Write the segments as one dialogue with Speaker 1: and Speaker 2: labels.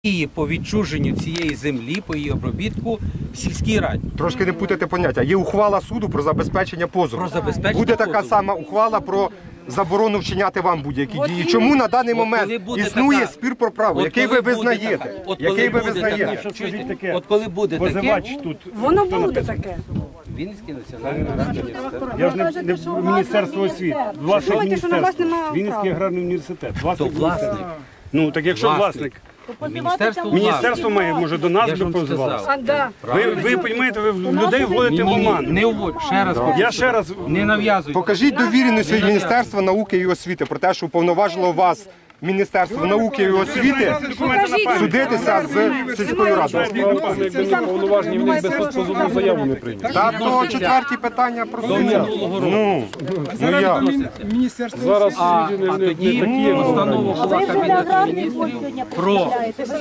Speaker 1: І по відчуженню цієї землі, по її обробітку в сільській раді.
Speaker 2: Трошки не путайте поняття. Є ухвала суду про забезпечення позову. Буде така сама ухвала про заборону вчиняти вам будь-які дії. Чому на даний момент існує спір про право, який ви визнаєте?
Speaker 1: Який ви визнаєте? От коли буде таке,
Speaker 3: воно буде таке.
Speaker 1: Вінницький національний аграрний університет.
Speaker 4: Я ж не Міністерство освіти, власник міністерства. Вінницький аграрний університет.
Speaker 1: То власник.
Speaker 4: Ну так якщо власник. Міністерство має, може, до нас би позивалося. Ви розумієте, ви людей вводите в оману.
Speaker 1: Не вводь, ще раз.
Speaker 4: Я ще раз
Speaker 1: не нав'язуйте.
Speaker 2: Покажіть довіреність від Міністерства науки і освіти про те, що уповноважило вас Міністерство науки і освіти судитися з сільською радою.
Speaker 5: Якби не повноважені, в них без позовну заяву не прийняли.
Speaker 2: Та то четверті питання про
Speaker 1: Ну
Speaker 2: як?
Speaker 5: Зараз
Speaker 1: А тоді постанова була Кабінету Міністрів про...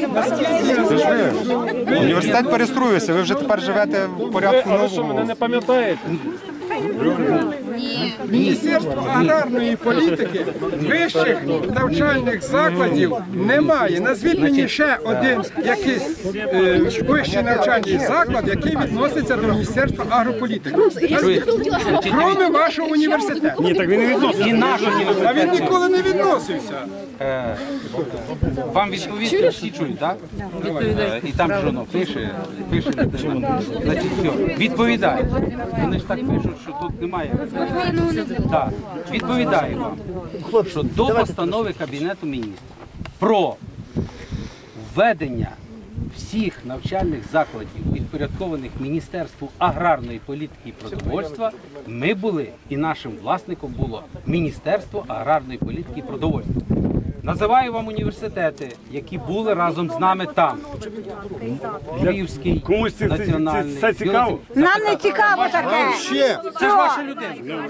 Speaker 2: Університет перестроюється, ви вже тепер живете в порядку
Speaker 5: ви що, мене
Speaker 2: новому.
Speaker 5: не пам'ятаєте?
Speaker 6: Міністерство аграрної політики вищих навчальних закладів немає. Назвіть мені ще один якийсь вищий навчальний заклад, який відноситься до Міністерства агрополітики. Кроме вашого університету.
Speaker 4: Ні, так він не відносить.
Speaker 1: І наш
Speaker 6: А він
Speaker 1: університет.
Speaker 6: ніколи не відносився.
Speaker 1: Вам відповісти всі чують, так? І там ж воно пише, значить, все, відповідає. Вони ж так пишуть, що тут немає. Так, відповідаю вам, що до постанови Кабінету Міністрів про введення всіх навчальних закладів, підпорядкованих Міністерству аграрної політики і продовольства, ми були, і нашим власником було Міністерство аграрної політики і продовольства. Називаю вам університети, які були разом з нами там. Львівський,
Speaker 4: Комусь
Speaker 1: національний.
Speaker 4: це цікаво?
Speaker 3: Нам не цікаво таке.
Speaker 1: Це ж ваша людина.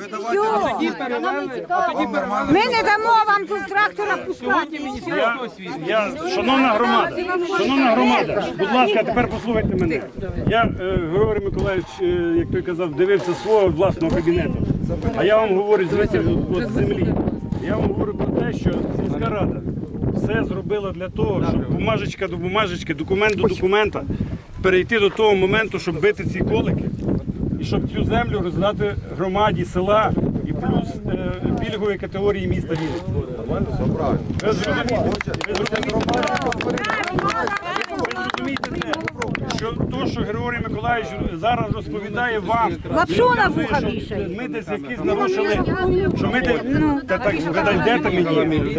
Speaker 3: Ми не дамо вам тут трактора пускати.
Speaker 1: Міністерство освіти.
Speaker 4: Шановна громада, будь ласка, тепер послухайте мене. Я, Григорій Миколаївич, як той казав, дивився свого власного кабінету. А я вам говорю з землі. Я вам говорю про те, що сільська рада все зробила для того, щоб бумажечка до бумажечки, документ до документа перейти до того моменту, щоб бити ці колики і щоб цю землю роздати громаді села і плюс пільгової категорії міста Вінниці. Ви зрозумієте те, що то, що Григорій Миколаївич зараз розповідає вам,
Speaker 3: Лапшу на вуха вішає.
Speaker 4: ми десь якісь нарушили, що ми десь, та так, ви дайте мені.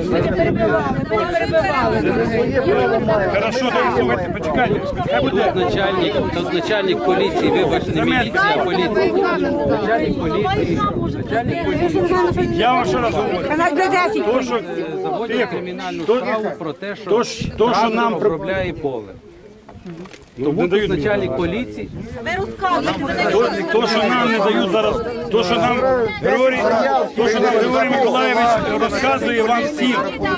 Speaker 4: Хорошо, так, слухайте, почекайте, хай буде.
Speaker 1: Тут начальник поліції, вибачте, не міліція, а поліція. Начальник поліції.
Speaker 4: Я вам ще раз говорю. То, що
Speaker 1: Заводять кримінальну справу про те, що
Speaker 4: що нам
Speaker 1: обробляє поле. Тому
Speaker 4: не дають
Speaker 1: тут начальник поліції.
Speaker 4: то, що нам не дають зараз, то, що нам Григорій Миколаївич розказує вам всім.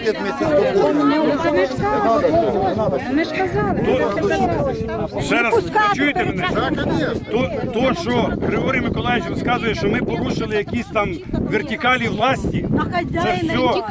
Speaker 3: Ми ж казали.
Speaker 4: Ще раз, чуєте мене? То, що Григорій Миколаївич розказує, що ми порушили якісь там вертикалі власті, це все.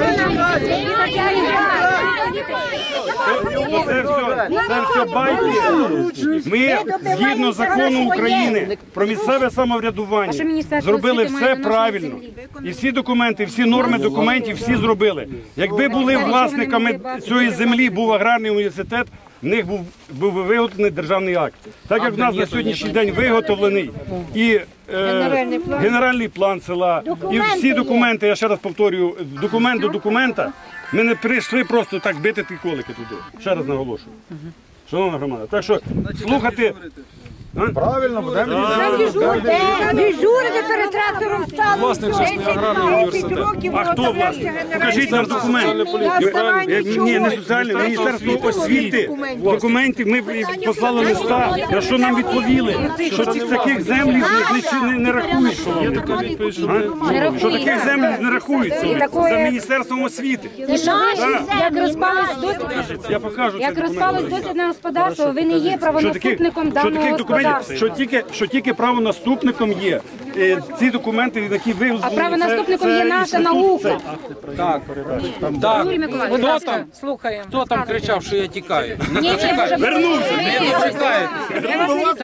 Speaker 4: Це все байки. Ми, згідно закону України про місцеве самоврядування, зробили все правильно. І всі документи, всі норми документів, всі зробили. Якби були власниками цієї землі, був аграрний університет, в них був виготовлений державний акт. Так як в нас на сьогоднішній день виготовлений і генеральний план села, і всі документи, я ще раз повторюю, документ до документа, ми не прийшли просто так бити ті колики туди. Ще раз наголошую. Шановна громада, так що слухати...
Speaker 2: Правильно, будемо.
Speaker 3: Дежурити перед трактором стало.
Speaker 5: Власник же ж не аграрний університет.
Speaker 4: А хто власник? Покажіть нам документ. Ні, не соціальне, Міністерство освіти. Документи, ми послали листа, на що нам відповіли, що таких землі не рахуються. Що таких землі не рахуються за Міністерством освіти.
Speaker 7: Як розпалось дослідне господарство, ви не є правонаступником даного господарства.
Speaker 4: Що тільки правонаступником є ці документи, які ви
Speaker 7: А правонаступником є наша наука.
Speaker 1: Так.
Speaker 7: Юрій Миколаївич,
Speaker 1: Хто там? Слухаємо. Хто там кричав, що я тікаю?
Speaker 7: Ні, ні, може,
Speaker 4: вернувся.
Speaker 1: Не чекаєте.